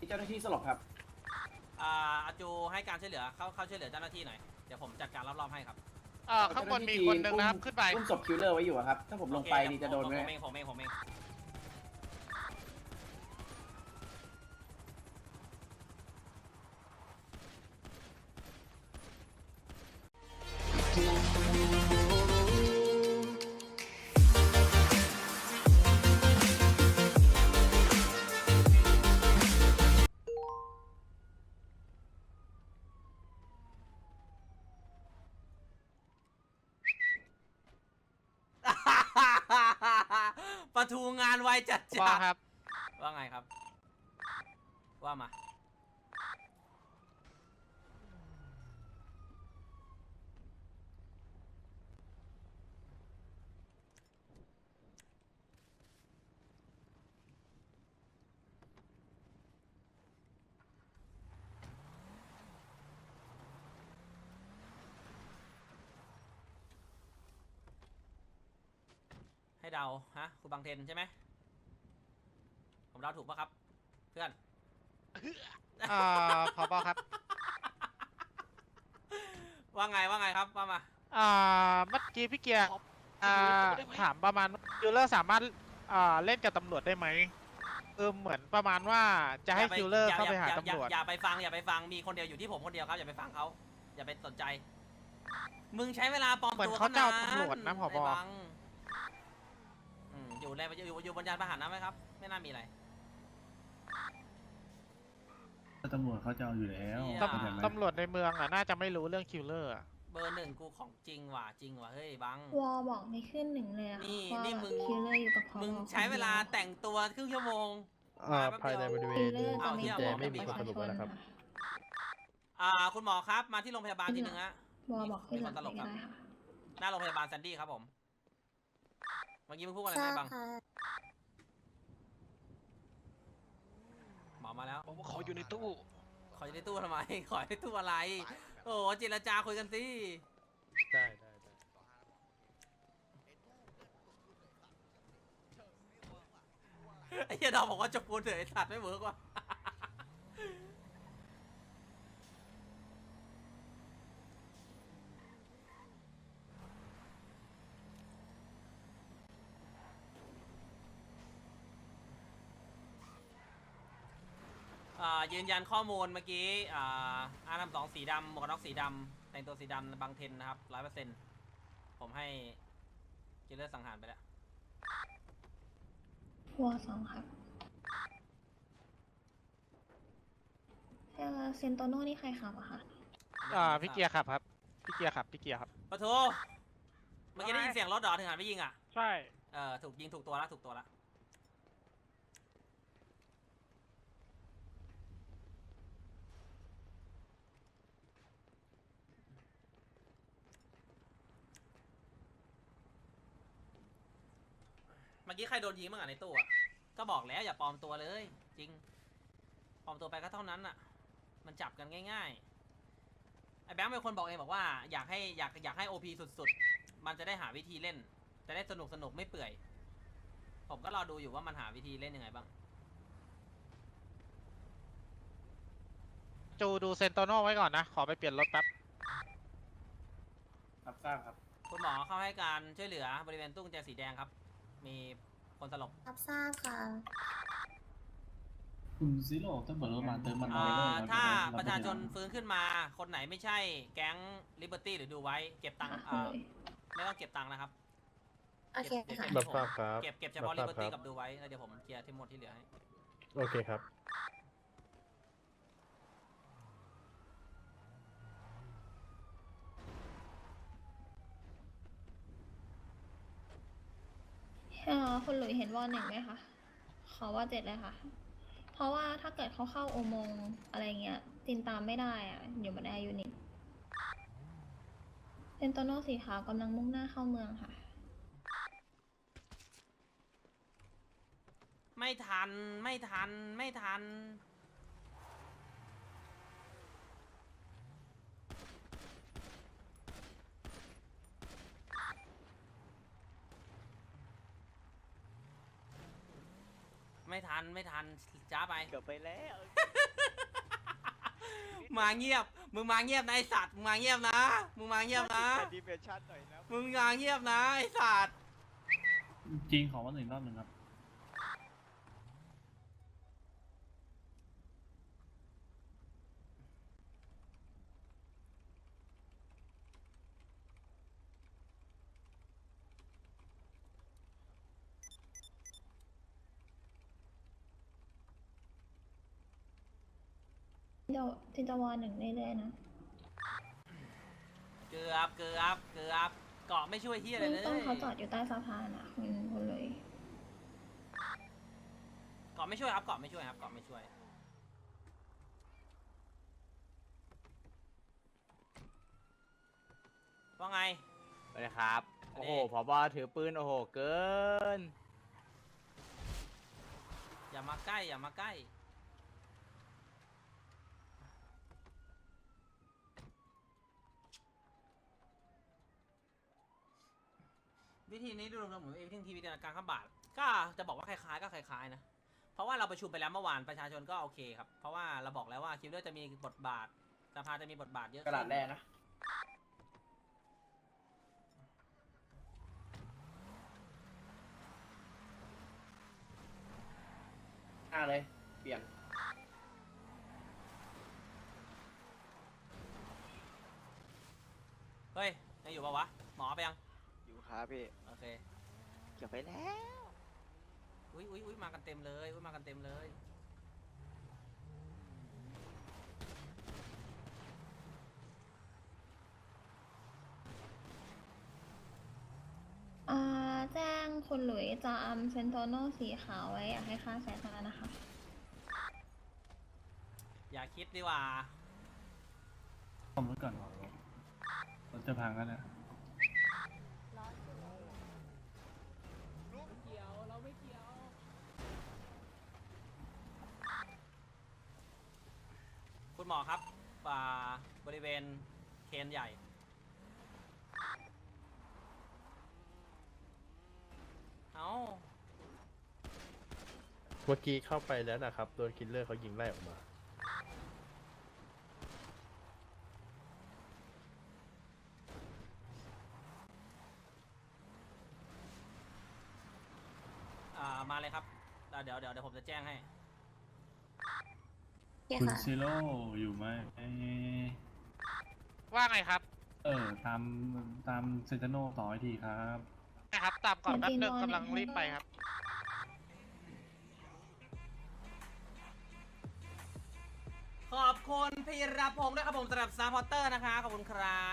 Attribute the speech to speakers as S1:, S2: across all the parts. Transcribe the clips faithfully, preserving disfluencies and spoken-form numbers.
S1: ที่เจ้าหน้าที่สลบครับ
S2: อ่าอาจูให้การช่วยเหลือเข้าเข้าช่วยเหลือเจ้าหน้าที่หน่อยเดี๋ยวผมจัดการรอบๆให้ครับ
S3: เอ่อข้างบนมีคนหนึ่งนะครับขึ้นไป
S1: อุ้มศพคิวเลอร์ไว้อยู่ครับถ้าผมลงไปนี่จะโดนไหม
S2: ผมเองผมเองผมเองประทูงานไวจัดจ้า
S3: ว่าครับ
S2: ว่าไงครับว่ามาให้เดาฮะคุณบางเทนใช่ไหมผมเดาถูกปะครับเพื่อน
S3: เอ่อผบครับ
S2: ว่าไงว่าไงครับว่ามา
S3: อ่าเมื่อกี้พี่เกียร์อ่าถามประมาณคิวเลอร์สามารถอ่าเล่นกับตำรวจได้ไหมเออเหมือนประมาณว่าจะให้คิวเลอร์เข้าไปหาตำรวจ
S2: อย่าไปฟังอย่าไปฟังมีคนเดียวอยู่ที่ผมคนเดียวครับอย่าไปฟังเขาอย่าไปสนใจ มึงใช้เวลาปลอม
S3: เหมือน
S2: ตัว
S3: เขาจะเอาตำรวจนะผบ
S2: ไอ้บังอืมอยู่ในอยู่อยู่บนยานพาหนะไหมครับ ไม่น่ามีอะไร
S4: ตำรวจเขาจะเอาอยู่แล้ว
S2: เหี้ย
S3: ตำตำรวจในเมืองอ่ะน่าจะไม่รู้เรื่องคิวเลอร์อะ
S2: เบอร์หนึ่งกูของจริงว่ะจริงว่ะเฮ้ยบัง
S5: วอบอกไม่ขึ้นหนึ่งเลยอะ
S2: นี่
S5: ค่ะว่า
S2: นี่มึง
S5: คิลเลอร์อยู่กับพอ
S2: มึงใช้เวลาแต่งตัวครึ่งชั่วโมง
S6: อ่าภายในบริเว
S5: คิ
S6: ณ
S5: ลเลอร์จะไม่
S2: เอา
S5: เกี่ยว
S2: เหี้
S5: กับ
S2: ย
S5: ประชาชน
S6: แล้วครับ
S5: ค่ะ
S2: อ่าคุณหมอครับมาที่โรงพยาบาลทีนึงฮะ
S5: วอบอกขึ้นหลัง
S2: มีคนตล
S5: ไม่
S2: กครับ
S5: ได้ค่ะ
S2: หน้าโรงพยาบาลแซนดี้ครับผมเมื่อกี้มึงพูดอะไร
S7: ทรา
S2: ไง
S7: บ
S2: บัง
S7: ค่ะ
S2: หมอมาแล้ว
S6: ผมขออยู่ในตู้
S2: ขออยู่ในตู้ทำไม ขอในตู้อะไร โอ้โหเจรจาคุยกันสิ
S6: ได้ได้ได้
S2: ไอ้เหี้ยดอมบอกว่าจบปูนเถอะไอ้สัตว์ไม่เวิร์กว่ะ อ่ายืนยันข้อมูลเมื่อกี้อ่าอาร์ทำสองสีดำหมวกกันน็อกสีดำแต่งตัวสีดำบางเทนนะครับร้อยเปอร์เซ็นต์ผมให้กิลเลอร์สังหารไปแล้ว
S5: วอสองครับเอ่อเซนโตโน่นี่ใครขับอะคะ
S3: อ่าพี่เกียร์ครับครับพี่เกียร์ครับพี่เกียร์ครับ
S2: ปะโถเมื่อกี้ได้ยินเสียงรถดอถึงหันไปยิงอ่ะ
S3: ใช่
S2: เออถูกยิงถูกตัวแล้วถูกตัวแล้วเมื่อกี้ใครโดนยิงบ้างอ่ะในตู้อ่ะก็บอกแล้วอย่าปลอมตัวเลยจริงปลอมตัวไปก็เท่านั้นอ่ะมันจับกันง่ายๆไอ้แบงค์เป็นคนบอกเองบอกว่าอยากให้อยากอยากให้โอพีสุดๆมันจะได้หาวิธีเล่นจะได้สนุกสนุกไม่เปื่อยผมก็รอดูอยู่ว่ามันหาวิธีเล่นยังไงบ้าง
S3: จูดูเซนโตโน่ไว้ก่อนนะ ขอไปเปลี่ยนรถแป๊บ
S1: รับทราบครับ
S2: คุณหมอเข้าให้การช่วยเหลือบริเวณตู้กุญแจสีแดงครับ มีคนสลบ
S7: รับทราบค่ะ
S4: คุณซิโร่ตำรวจมาเติมมัน
S2: อ่
S4: น้อยเลย
S2: า
S4: ครับ
S2: ถ้า
S4: เดี๋ยว
S2: ประชาชน
S4: เดี๋ยว
S2: ฟื้นขึ้นมา คนไหนไม่ใช่แก๊งลิเบอร์ตี้หรือดูไว้ เก็บตังค์
S5: ค่ะ
S2: อ่าไม่ต้องเก็บตังค์นะครับ
S7: โอเคค่ะ
S2: เก็
S6: รับทราบครับ
S2: เก็บเก็บเฉพาะลิ
S6: รับ
S2: เบอร์
S6: ทรา
S2: ตี้
S6: บค
S2: กั
S6: รั
S2: บบ ดูไว้แล้วเดี๋ยวผมเคลียร์ที่หมดที่เหลือให้
S6: โอเคครับ
S5: เอ่อคุณหลุยเห็นวอหนึ่งไหมคะขอว่าเจ็ดเลยค่ะ เพราะว่าถ้าเกิดเขาเข้าอุโมงค์อะไรเงี้ยตินตามไม่ได้อะอยู่บนแอร์ยูนิตเซนโตโน่สีขาวกำลังมุ่งหน้าเข้าเมืองค่ะ
S2: ไม่ทันไม่ทันไม่ทันไไม่ทันไม่ทันจ้าไป
S8: เกือบไปแล้ว
S2: มาเงียบมึงมาเงียบนะไอสัตว์มึงมาเงียบนะมึงมาเงียบนะ
S8: ดีเมชั่นหน่อยนะ
S2: มึงมาเงียบนะไอสัตว์
S4: จริงขอว่าหนึ่งรอบหนึ่งครับ
S5: เดี๋ยวจินตวาหนึ่งเรื่อยๆนะ
S2: เกือบเกือบเกือบเกาะไม่ช่วยเฮียอะไร
S5: เบื้อง
S2: เลย
S5: ต้นเขาจอดอยู่ใต้สะพานอ่ะคุณคุณเลย
S2: เกาะไม่ช่วยครับเกาะไม่ช่วยครับเกาะไม่ช่วยว่าไง
S8: ไปเลยครับ
S2: อันนี้
S8: โอ้โหผบถือปืน โอ้โห เกิน
S2: อย่ามาใกล้อย่ามาใกล้วิธีนี้ดูรวมๆเหมือนวิธีทีวีการข้ามบาทก็จะบอกว่าคล้ายๆก็คล้ายๆนะเพราะว่าเราประชุมไปแล้วเมื่อวานประชาชนก็โอเคครับเพราะว่าเราบอกแล้วว่าคิวเลอร์จะมีบทบาทสภาจะมีบทบาทเยอะ
S1: กระดาษแรกนะหน้าเลย เปลี่ยน
S2: เฮ้ยยังอยู่ปะวะหมอไปยัง
S8: อยู่ครับพี่
S2: โอเค
S8: เกือบไปแล้ว
S2: อุ้ยอุ้ยอุ้ยมากันเต็มเลยอุ้ยมากันเต็มเลย
S5: อ่าแจ้งคุณหลุยจะอัมเซนโตโนสีขาวไว้อยากให้ค่าแซดมานะคะ
S2: อย่าคิดดีกว่า
S4: ซ่อมรถก่อนรถจะพังแล้วนะ
S2: คุณหมอครับอ่าบริเวณเคนใหญ่เอา
S6: เมื่อกี้เข้าไปแล้วนะครับ โดนคิลเลอร์เขายิงไล่ออกมา
S2: อ่ามาเลยครับอ่าเดี๋ยวเดี๋ยวเดี๋ยวผมจะแจ้งให้
S7: โอเค
S4: คุณ
S7: ค่ะ
S4: ซิโร่อยู่ไหมเอ้ย
S3: ว่าไงครับ
S4: เออ ตาม ตามเซนเตโนต่อให้ทีครับ
S3: นะครับ ตามก่อนแป๊บนึงกำลังรีบไปครับ
S2: ขอบคุณพีรพงศ์ด้วยครับผมสำหรับซัพพอร์เตอร์นะคะขอบคุณครับ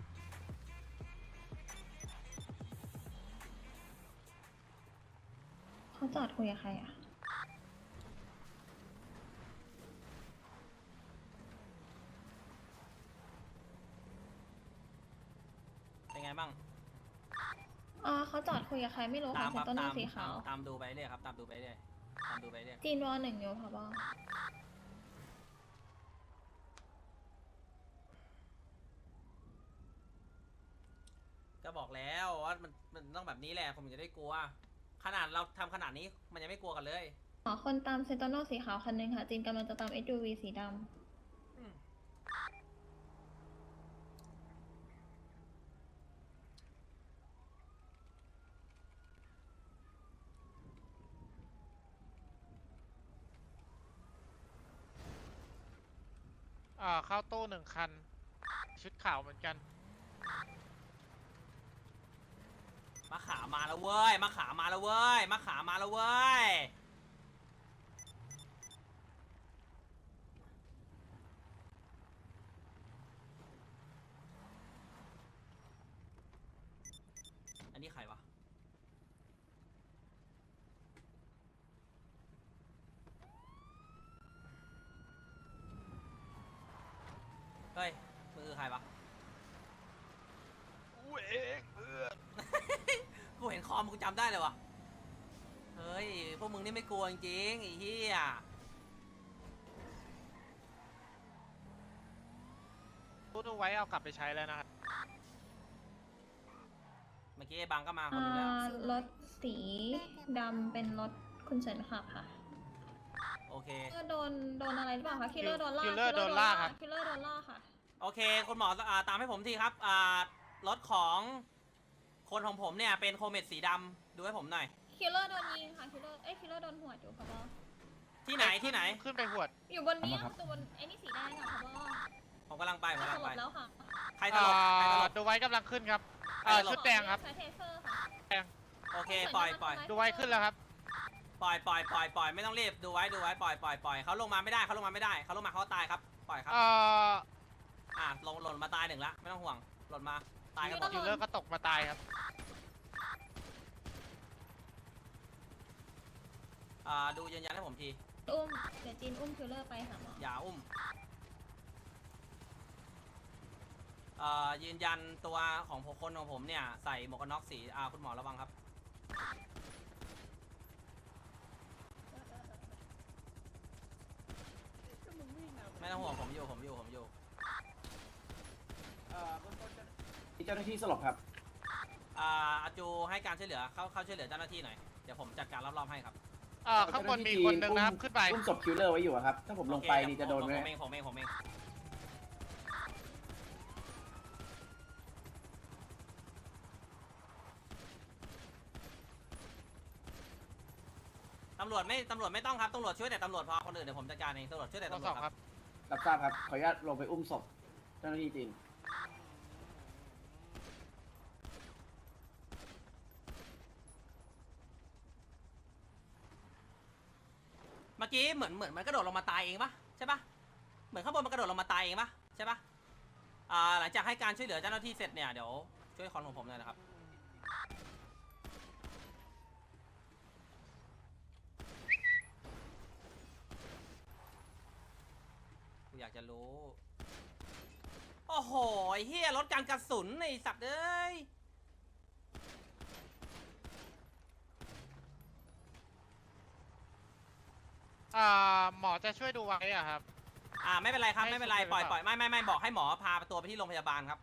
S5: เขาจอดคุยกับใครอ่ะ
S2: เป็นไงบ้าง
S5: อ่าเขาจอดคุยกับใครไม่รู้
S2: ตา
S5: ค่ะ
S2: ม
S5: เซ
S2: คน รับ
S5: โตโน
S2: ตาม
S5: สีขาว
S2: ตามตามดูไปเรื่อยครับตามดูไปเรื่อยตามดูไปเรื่อย
S5: จีนวอหนึ่งอยู่ค่ะบอ
S2: ก็บอกแล้วว่ามันมันต้องแบบนี้แหละผมถึงจะได้กลัว ขนาดเราทำขนาดนี้มันยังไม่กลัวกันเลย
S5: ขอคนตามเซนโตโนสีขาวคันหนึงค่ะ จีนกำลังจะตาม เอส ยู วี สีดำ
S2: อืม
S3: อ่า เข้าตู้หนึ่งคัน ชุดขาวเหมือนกัน
S2: มะขามมาแล้วเว้ยมะขามมาแล้วเว้ยมะขามมาแล้วเว้ยอันนี้ใครวะเฮ้ยมือใครวะ
S8: กูเองเพื่อน
S2: กูเห็นคอมกูจำได้เลยวะเฮ้ย พวกมึงนี่ไม่กลัวจริงๆไอ้เหี้ย
S3: ตู้ดูไว้เอากลับไปใช้แล้วนะครับ
S2: เมื่อกี้ไอ้บังก็มาคน
S5: อ่า
S2: นึงแล้ว
S5: รถสีดำเป็นรถคุณเฉินขับค่ะ
S2: เค
S5: คิลเลอร์โดนโดนอะไรหรือเปล่าคะคิลเลอร์โดนลาก
S3: คิลเลอร์โดนลากครับ
S5: คิลเลอร์โดนลากค่ะ
S2: โอเคคุณหมออ่าตามให้ผมทีครับอ่ารถของคนของผมเนี่ยเป็นโคเมตสีดำดูให้ผมหน่อย
S5: คิลเลอร์โดนยิงค่ะคิลเลอร์เอ้ยคิลเลอร์โดนหัวอยู่ค่ะบอ
S2: ที่ไหนที่ไหน
S3: ขึ้นไปหวด
S5: อยู่บนนี้ตัวบนไอ้นี่สีแดงค่ะบอ
S2: ผมกำลังไปผม
S5: ส
S2: กำลัง
S5: ล
S2: ไป
S5: บแล้วค่ะ
S2: ใครตลบใครตลบ
S3: ดูไว้กำลังขึ้นครับเอ่อชุดแดงครับ
S5: ใช้เทเซอร์ค่ะ
S2: โอเคปล่อยปล่อย
S3: ดูไว้ขึ้นแล้วครับ
S2: ปล่อยปล่อยปล่อยปล่อยไม่ต้องรีบดูไว้ดูไว้ปล่อยปล่อยปล่อยเขาลงมาไม่ได้เขาลงมาไม่ได้เขาลงมาเขาตายครับปล่อยครับ
S3: เอ่อ
S2: อ่าลงหล่นมาตายหนึ่งละไม่ต้องห่วงหล่นมาตายกันหมด
S3: คิลเลอร์ก็ตกมาตายครับ
S2: อ่าดูยืนยันให้ผมที
S5: อุ้มเดี๋ยวจีนอุ้มคิลเลอร์ไปหาหมอ
S2: อย่าอุ้มเอ่อยืนยันตัวของคนของผมเนี่ยใส่หมวกกันน็อกสีอ่าคุณหมอระวังครับไม่ต้องห่วงผมอยู่ผมอยู่ผมอยู่
S1: เอ่อเบื้องต้นเจ้าหน้าที่สลบครับ
S2: อ่าอาจูให้การช่วยเหลือเข้าเข้าช่วยเหลือเจ้าหน้าที่หน่อยเดี๋ยวผมจัดการรอบๆให้ครับ
S3: เอ่อข้างบนมีคนหนึ่งนะครับ ขึ้นไป
S1: อุ้มศพคิลเลอร์ไว้อยู่อะครับ ถ้าผมลงไป
S2: โอเค
S1: นี่จะโดนไหม
S2: ผมเองผมเองผมเองตำรวจไม่ตำรวจไม่ต้องครับตำรวจช่วยแต่ตำรวจพอคนอื่นเดี๋ยวผมจัดการเองตำรวจช่วยแต่
S3: ตัว
S2: ตำร
S3: ส
S2: ว
S3: อ
S2: จ
S3: ง
S2: ค
S3: ค
S2: รั
S3: รั
S2: บบ
S1: รับทราบครับ ขออนุญาตลงไปอุ้มศพเจ้าหน้าที่จีน
S2: เมื่อกี้เหมือนเหมือนมันกระโดดลงมาตายเองปะใช่ปะเหมือนข้างบนมันกระโดดลงมาตายเองปะใช่ปะอ่าหลังจากให้การช่วยเหลือเจ้าหน้าที่เสร็จเนี่ยเดี๋ยวช่วยคอนของผมหน่อยนะครับกูอยากจะรู้โอ้โหไอ้เฮียลดการกระสุนไอ้สัตว์เอ้ย
S3: อ่าหมอจะช่วยดูไว้อะครับ
S2: อ่าไม่เป็นไรครับ
S3: ให้
S2: ไม่เป็นไร
S3: ช่วย
S2: ปล่อย
S3: หรือ
S2: ป
S3: เป
S2: ล่อ
S3: ล่า
S2: ยไม่ไม่ไม่บอกให้หมอพาตัวไปที่โรงพยาบาลครับ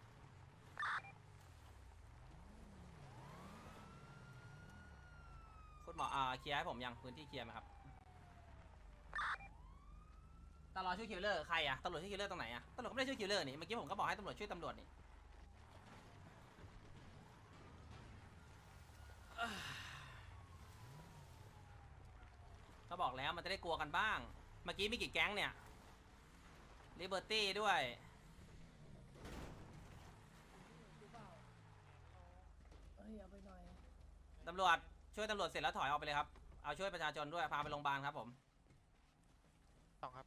S2: คุณหมออ่าเคลียร์ให้ผมยังพื้นที่เคลียร์ไหมครับตำรวจช่วยคิลเลอร์ใครอะตำรวจช่วยคิลเลอร์ตรงไหนอะตำรวจก็ไม่ได้ช่วยคิลเลอร์นี่เมื่อกี้ผมก็บอกให้ตำรวจช่วยตำรวจนี่ก็บอกแล้วมันจะได้กลัวกันบ้างเมื่อกี้มีกี่แก๊งเนี่ยลิเบอร์ตี้ด้วยตำรวจช่วยตำรวจเสร็จแล้วถอยออกไปเลยครับเอาช่วยประชาชนด้วยพาไปโรงพยาบาลครับผม
S3: สองครับ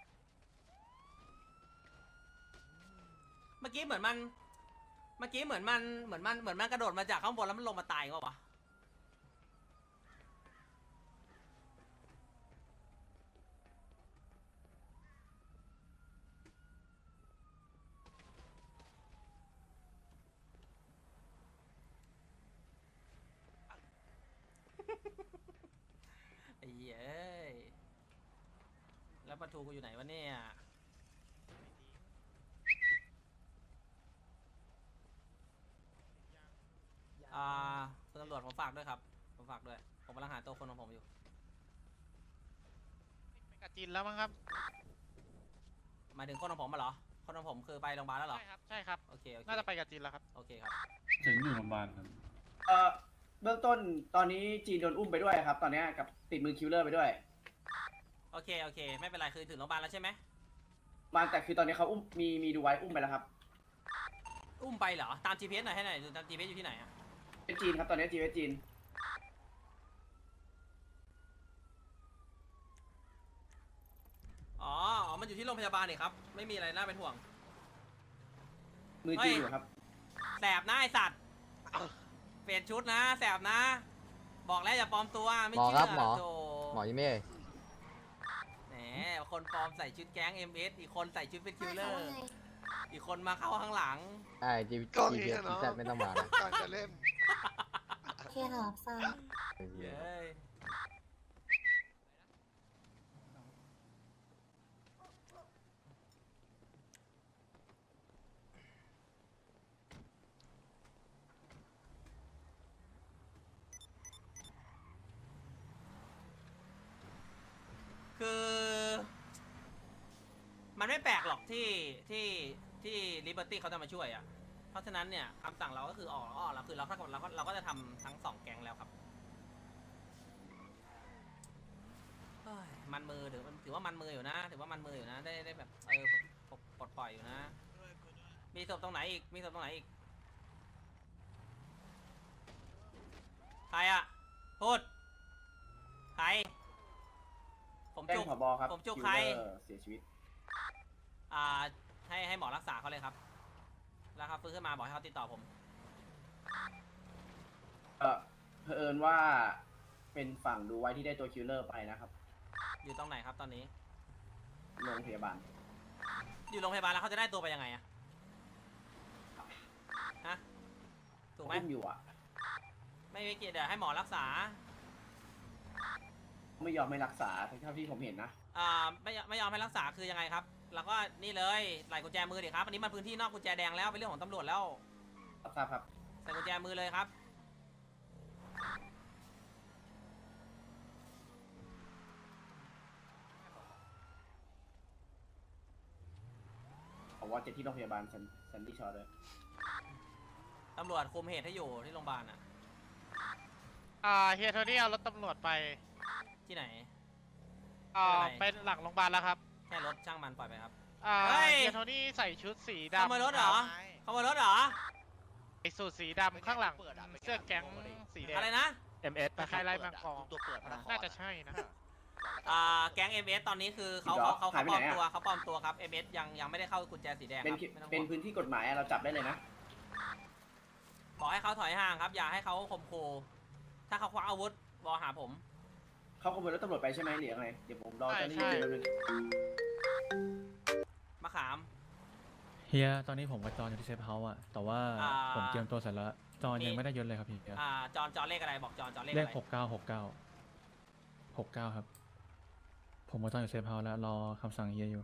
S2: เมื่อกี้เหมือนมันเมื่อกี้เหมือนมันเหมือนมันเหมือนมันกระโดดมาจากข้างบนแล้วมันลงมาตายก็วะไอ้เหี้ยเอ้ยแล้วประตูกูอยู่ไหนวะเนี่ยอ่าคุณตำรวจผมฝากด้วยครับผมฝากด้วยผมกำลังหาตัวคนของผมอยู่
S3: ไปกับจีนแล้วมั้งครับ
S2: หมายถึงคนของผมมาเหรอคนของผมคือไปโรงพยาบาลแล้วเหรอ
S3: ใช่ครับ ใช่ครับ
S2: โอเคโอเค
S3: น่าจะไปกับจีนแล้วครับ
S2: โอเคครับ
S4: ถึงอยู่โรงพยาบาลครับ
S1: เอ่อ เบื้องต้นตอนนี้จีนโดนอุ้มไปด้วยครับ ตอนนี้กับติดมือคิลเลอร์ไปด้วย
S2: โอเคโอเคไม่เป็นไรคือถึงโรงพยาบาลแล้วใช่ไหม
S1: มาแต่คือตอนนี้เขาอุ้มมีมีดูไว้อุ้มไปแล้วครับ
S2: อุ้มไปเหรอตาม จี พี เอส หน่อยให้หน่อยดูตาม จี พี เอส อยู่ที่ไหนอะ
S1: เป็นจีนครับตอนนี้จีนเป็นจีน
S2: อ๋ออ๋อมันอยู่ที่โรงพยาบาลนี่ครับไม่มีอะไรน่าเป็นห่วง
S1: มือจีนอยู่ครับ
S2: แสบนะไอสัตว์เปลี่ยนชุดนะแสบนะ บอกแล้วอย่าปลอมตัวไม่
S9: หมอ
S2: เชื่
S9: ครับหมอ
S2: โธ่
S9: หมอยังไม่เอ่ย
S2: แหมคนปลอมใส่ชุดแก๊ง เอ็ม เอส อีกคนใส่ชุดเป็นคิลเลอ
S7: ว่า
S2: ร์
S7: ไง
S2: อีกคนมาเข้าข้างหลัง
S9: ไอ้จี
S8: กล้อง
S9: จี
S8: นี้
S9: พี
S8: อะเนาะ
S9: แซดไม่ต้องมานะ
S8: การจะเล่น
S7: โอเคค่ะทราบ
S2: เย้ยคืแปลกหรอกที่ที่ที่ลิเบอร์ตี้เขาจะมาช่วยอ่ะเพราะฉะนั้นเนี่ยคำสั่งเราก็คือออกออกเราคือเราเราก็เราก็จะทำทั้งสองแก๊งแล้วครับเฮ้ยมันมือถือถือว่ามันมืออยู่นะถือว่ามันมืออยู่นะได้ได้แบบเออปลดปลดปล่อยอยู่นะมีศพตรงไหนอีกมีศพตรงไหนอีกใครอ่ะพูดใครผม
S1: แจ้ง
S2: จุก
S1: ผบครับ
S2: ผมจุก
S1: คิว
S2: ใคร
S1: เลอร์เสียชีวิต
S2: อ่าให้ให้หมอรักษาเขาเลยครับแล้วครับฟื้นขึ้นมาบอกให้เขาติดต่อผม
S1: เออเผอิญว่าเป็นฝั่งดูไว้ที่ได้ตัวคิลเลอร์ไปนะครับ
S2: อยู่ตรงไหนครับตอนนี้
S1: โรงพยาบาล
S2: อยู่โรงพยาบาลแล้วเขาจะได้ตัวไปยังไงอะฮะถูกไหม
S1: อุ้มอยู่อ่ะ
S2: ไม่ไม่เกี่ยวเดี๋ยวให้หมอรักษา
S1: ไม่ยอมไม่รักษาเท่าที่ผมเห็นนะ
S2: อ่าไม่ไม่ยอมให้รักษาคือยังไงครับแล้วก็นี่เลยใส่กุญแจมือดิครับอันนี้มันพื้นที่นอกกุญแจแดงแล้วเป็นเรื่องของตำรวจแล้ว
S1: รับทราบครับ
S2: ใส่กุญแจมือเลยครับ
S1: ผมว่าจะที่โรงพยาบาลซันซันดี้ชอร์เลย
S2: ตำรวจคุมเหตุให้อยู่ที่โรงพยาบาลอะ
S3: อ่าเฮียโทนี่เอารถตำรวจไป
S2: ที่ไหน
S3: อ่า
S2: ไม่เป็นไร
S3: ไปหลังโรงพยาบาลแล้วครับ
S2: แค่รถช่างมันปล่อยไปครับ
S3: อ่า
S2: เฮ้ย
S3: เฮียโทนี่ใส่ชุดสีดำ
S2: ขโมยรถเหรอขโมยรถเหรอ
S3: ใส่สูทสีดำข้างหลังเสื้อแก๊งสีแดง
S2: อะไรนะ
S6: เอ็มเอส
S3: ตะไคร้ไล่บางกอง
S8: ตัวเปิดพระนคร
S3: น่าจะใช่นะ
S2: อ่าแก๊ง เอ็ม เอส ตอนนี้คือเขา
S1: หรอ
S2: เขาเขา
S1: หายไป
S2: ปลอม
S1: ไหนอะ
S2: ตัวเขาปลอมตัวครับ เอ็ม เอส ยังยังไม่ได้เข้ากุญแจสีแดงค
S1: เป็น
S2: รับ
S1: คิ
S2: ไม่ต้อง
S1: เป็น
S2: ห่วง
S1: พื้นที่กฎหมายอะเราจับได้เลยนะ
S2: บอกให้เขาถอยห่างครับ อย่าให้เขาข่มขู่ถ้าเขาคว้าอาวุธบอหาผม
S1: เขาขโมยรถตำรวจไปใช่ไหมหรือยังไงเดี๋ยวผมรอเจ้าหน้า
S3: ใช่
S1: ที่แป๊บนึง
S2: มะขาม
S9: เฮียตอนนี้ผมกับจอนอยู่ที่เซฟเฮาส์อะแต่ว่า
S2: อ่า
S9: ผมเตรียมตัวเสร็จแล้ว จอน
S2: มี
S9: ยังไม่ได้ยศเลยครับเฮีย
S2: อ่าจอนจอนเลขอะไรบอกจอนจอนเลข
S9: เล
S2: อะ
S9: ข
S2: ไร
S9: หกเก้าหกเก้าหกเก้าครับ ผมกับจอนอยู่เซฟเฮาส์แล้วรอคำสั่งเฮียอยู่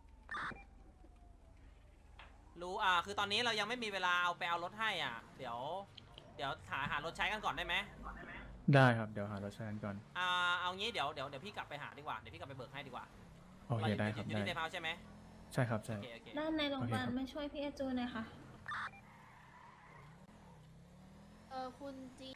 S2: รู้อ่าคือตอนนี้เรายังไม่มีเวลาเอาไปเอารถให้อ่ะ เดี๋ยว เดี๋ยวหาหารถใช้กันก่อนได้ไหม
S9: ได้ครับเดี๋ยวหารถใช้กันก่อน
S2: อ่าเอางี้เดี๋ยวเดี๋ยวเดี๋ยวพี่กลับไปหาดีกว่าเดี๋ยวพี่กลับไปเบิกให้ดีกว่า
S9: โอเคได้ครับ
S2: อยู่
S9: ได้
S2: ที่เซฟเฮาส์ใช่ไหม
S9: ใช่ครับ
S2: โอ
S9: ใช่
S2: เคโอเค
S5: ด้านในโรงพยาบาล
S9: โอเคครับ
S5: มาช่วยพี่เอจูหน่อยค่ะ
S7: เออคุณจี